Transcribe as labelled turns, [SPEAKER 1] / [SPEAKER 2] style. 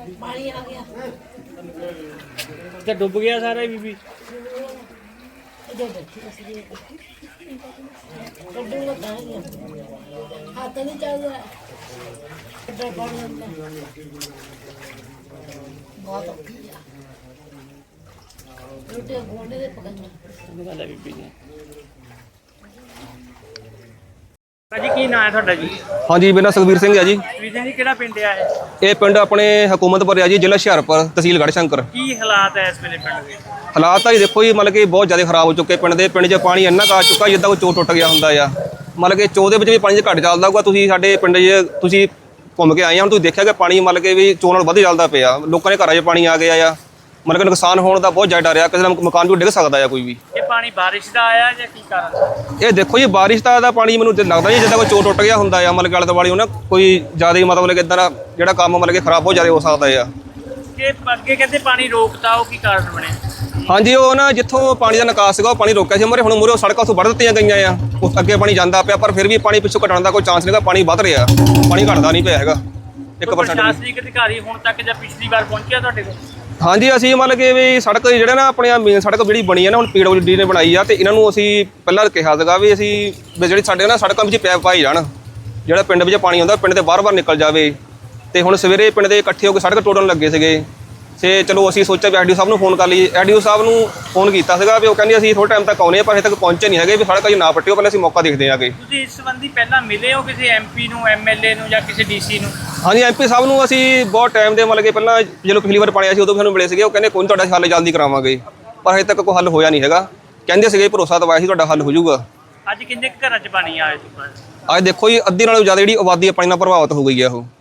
[SPEAKER 1] पानी आ गया
[SPEAKER 2] तो डूब गया सारा ही बीबी।
[SPEAKER 1] इधर बैठी कड्डू लगा है हाथ नहीं चल रहा इधर बढ़ जाता बहुत औखी है रोटी गोंडे दे पकड़ना
[SPEAKER 2] ਗੱਲ ਹੈ ਬੀਬੀ ਜੀ। ਭਾਜੀ ਕੀ ਨਾਂ ਹੈ ਤੁਹਾਡਾ ਜੀ?
[SPEAKER 3] ਹਾਂਜੀ ਮੇਰਾ ਸੁਖਬੀਰ ਸਿੰਘ ਹੈ ਜੀ।
[SPEAKER 2] ਵੀਰ ਜੀ ਕਿਹੜਾ ਪਿੰਡ ਆ ਇਹ?
[SPEAKER 3] ਇਹ ਪਿੰਡ ਆਪਣੇ ਹਕੂਮਤਪੁਰ ਹੈ ਜੀ, ਜ਼ਿਲ੍ਹਾ ਹੁਸ਼ਿਆਰਪੁਰ, ਤਹਿਸੀਲ ਗੜ੍ਹਸ਼ੰਕਰ।
[SPEAKER 2] ਕੀ ਹਾਲਾਤ ਹੈ ਇਸ ਵੇਲੇ ਪਿੰਡ ਦੇ?
[SPEAKER 3] ਹਾਲਾਤ ਤਾਂ ਜੀ ਦੇਖੋ ਜੀ, ਮਤਲਬ ਕਿ ਬਹੁਤ ਜ਼ਿਆਦਾ ਖਰਾਬ ਹੋ ਚੁੱਕੇ ਪਿੰਡ ਦੇ। ਪਿੰਡ 'ਚ ਪਾਣੀ ਇੰਨਾ ਕੁ ਆ ਚੁੱਕਾ ਜਿੱਦਾਂ ਕੋਈ ਚੋਅ ਟੁੱਟ ਗਿਆ ਹੁੰਦਾ ਆ। ਮਤਲਬ ਕਿ ਚੋਅ ਦੇ ਵਿੱਚ ਵੀ ਪਾਣੀ ਘੱਟ ਚੱਲਦਾ ਹੋਊਗਾ। ਤੁਸੀਂ ਸਾਡੇ ਪਿੰਡ 'ਚ ਤੁਸੀਂ ਘੁੰਮ ਕੇ ਆਏ ਆ, ਹੁਣ ਤੁਸੀਂ ਦੇਖਿਆ ਕਿ ਪਾਣੀ ਮਤਲਬ ਕਿ ਵੀ ਚੋਅ ਨਾਲ ਵੱਧ ਚੱਲਦਾ ਪਿਆ। ਲੋਕਾਂ ਦੇ ਘਰਾਂ 'ਚ ਪਾਣੀ ਆ ਗਿਆ ਆ। ਮਤਲਬ ਕਿ ਨੁਕਸਾਨ ਹੋਣ ਦਾ ਬਹੁਤ ਜ਼ਿਆਦਾ ਡਰ ਆ, ਕਿਸੇ ਦਾ ਮਕਾਨ ਵੀ ਡਿੱਗ ਸਕਦਾ ਆ ਕੋਈ ਵੀ।
[SPEAKER 2] ਇਹ ਪਾਣੀ ਬਾਰਿਸ਼ ਦਾ ਆਇਆ ਜਾਂ ਕੀ ਕਾਰਨ?
[SPEAKER 3] ਇਹ ਦੇਖੋ ਜੀ, ਬਾਰਿਸ਼ ਦਾ ਪਾਣੀ ਮੈਨੂੰ ਲੱਗਦਾ ਜੀ ਜਿੱਦਾਂ ਕੋਈ ਚੋਅ ਟੁੱਟ ਗਿਆ ਹੁੰਦਾ ਆ। ਮਤਲਬ ਕਿ ਆਲੇ ਦੁਆਲੇ ਉਹਨਾਂ ਕੋਈ ਜ਼ਿਆਦਾ ਹੀ ਮਤਲਬ ਕਿ ਇੱਦਾਂ ਦਾ ਜਿਹੜਾ ਕੰਮ ਮਤਲਬ ਕਿ ਖਰਾਬ ਬਹੁਤ ਜ਼ਿਆਦਾ ਹੋ ਸਕਦਾ ਆ।
[SPEAKER 2] ਕਿ ਅੱਗੇ ਕਹਿੰਦੇ ਪਾਣੀ ਰੋਕਤਾ, ਉਹ ਕੀ ਕਾਰਨ ਬਣਿਆ?
[SPEAKER 3] ਹਾਂਜੀ, ਉਹ ਨਾ ਜਿੱਥੋਂ ਪਾਣੀ ਦਾ ਨਿਕਾਸ ਸੀਗਾ ਉਹ ਪਾਣੀ ਰੋਕਿਆ ਸੀ। ਹੁਣ ਮੂਹਰੇ ਸੜਕਾਂ ਉੱਥੋਂ ਵੱਢ ਦਿੱਤੀਆਂ ਗਈਆਂ ਆ। ਉਸ ਅੱਗੇ ਪਾਣੀ ਜਾਂਦਾ ਪਿਆ, ਪਰ ਫਿਰ ਵੀ ਪਾਣੀ ਪਿੱਛੋਂ ਘਟਣ ਦਾ ਕੋਈ ਚਾਂਸ ਨਹੀਂਗਾ। ਪਾਣੀ ਵੱਧ ਰਿਹਾ, ਪਾਣੀ ਘਟਦਾ ਨਹੀਂ ਪਿਆ ਹੈਗਾ 1%।
[SPEAKER 2] ਪ੍ਰਸ਼ਾਸਨਿਕ ਅਧਿਕਾਰੀ ਹੁਣ ਤੱਕ ਜਾਂ ਪਿਛਲੀ ਵਾਰ ਪਹੁੰਚਿਆ ਤੁਹਾਡੇ ਕੋਲ?
[SPEAKER 3] ਹਾਂਜੀ, ਅਸੀਂ ਮਤਲਬ ਕਿ ਵੀ ਸੜਕ ਜਿਹੜਾ ਨਾ ਆਪਣੇ ਮੇਨ ਸੜਕ ਜਿਹੜੀ ਬਣੀ ਆ ਨਾ, ਹੁਣ PWD ਨੇ ਬਣਾਈ ਆ, ਤੇ ਇਹਨਾਂ ਨੂੰ ਅਸੀਂ ਪਹਿਲਾਂ ਕਿਹਾ ਸੀਗਾ ਵੀ ਅਸੀਂ ਜਿਹੜੀ ਸਾਡੇ ਨਾ ਸੜਕਾਂ ਵਿੱਚ ਪੈਪ ਪਾਈ ਜਾਣ, ਜਿਹੜਾ ਪਿੰਡ ਵਿੱਚ ਪਾਣੀ ਆਉਂਦਾ ਪਿੰਡ ਦੇ ਬਾਰ-ਬਾਰ ਨਿਕਲ ਜਾਵੇ। ਤੇ ਹੁਣ ਸਵੇਰੇ ਪਿੰਡ ਦੇ ਇਕੱਠੇ ਹੋ ਕੇ ਸੜਕ ਤੋੜਨ ਲੱਗੇ ਸੀਗੇ। ਤੇ ਚਲੋ ਅਸੀਂ ਸੋਚਿਆ ਵੀ ਐਡੀਓ ਸਾਹਿਬ ਨੂੰ ਫੋਨ ਕਰ ਲਈਏ। ਐਡੀਓ ਸਾਹਿਬ ਨੂੰ ਫੋਨ ਕੀਤਾ ਸੀਗਾ ਵੀ ਉਹ ਕਹਿੰਦੇ ਅਸੀਂ ਥੋੜ੍ਹੇ ਟਾਈਮ ਤੱਕ ਆਉਨੇ ਆ, ਪਰ ਹਜੇ ਤੱਕ ਪਹੁੰਚੇ ਨਹੀਂ ਹੈਗੇ। ਵੀ ਸੜਕ ਅਜੇ ਨਾ ਪੱਟਿਓ, ਪਹਿਲਾਂ ਅਸੀਂ ਮੌਕਾ ਦੇਖਦੇ ਆਂਗੇ।
[SPEAKER 2] ਤੁਸੀਂ ਇਸ ਸੰਬੰਧੀ ਪਹਿਲਾਂ ਮਿਲੇ ਹੋ ਕਿਸੇ MP ਨੂੰ, MLA ਨੂੰ ਜਾਂ ਕਿਸੇ DC ਨੂੰ?
[SPEAKER 3] ਹਾਂਜੀ, MP ਸਾਹਿਬ ਨੂੰ ਅਸੀਂ ਬਹੁਤ ਟਾਈਮ ਦੇ ਮਤਲਬ ਕਿ ਪਹਿਲਾਂ ਜਦੋਂ ਪਿਛਲੀ ਵਾਰ ਪਾਣੀ ਆਇਆ ਸੀ ਉਦੋਂ ਵੀ ਸਾਨੂੰ ਮਿਲੇ ਸੀਗੇ। ਉਹ ਕਹਿੰਦੇ ਕੋਈ ਤੁਹਾਡਾ ਹੱਲ ਜਲਦੀ ਕਰਾਵਾਂਗੇ, ਪਰ ਹਜੇ ਤੱਕ ਕੋਈ ਹੱਲ ਹੋਇਆ ਨਹੀਂ ਹੈਗਾ। ਕਹਿੰਦੇ ਸੀਗੇ ਭਰੋਸਾ ਦਵਾਇਆ ਸੀ ਤੁਹਾਡਾ ਹੱਲ ਹੋ ਜਾਊਗਾ।
[SPEAKER 2] ਅੱਜ ਕਿੰਨੇ ਘਰਾਂ 'ਚ ਪਾਣੀ ਆਇਆ ਸੀ?
[SPEAKER 3] ਅੱਜ ਦੇਖੋ ਜੀ, ਅੱਧੀ ਨਾਲੋਂ ਜ਼ਿਆਦਾ ਜਿਹੜੀ ਆਬਾਦੀ ਪਾਣੀ ਨਾਲ ਪ੍ਰਭਾਵਿਤ ਹੋ ਗਈ ਹੈ ਉਹ।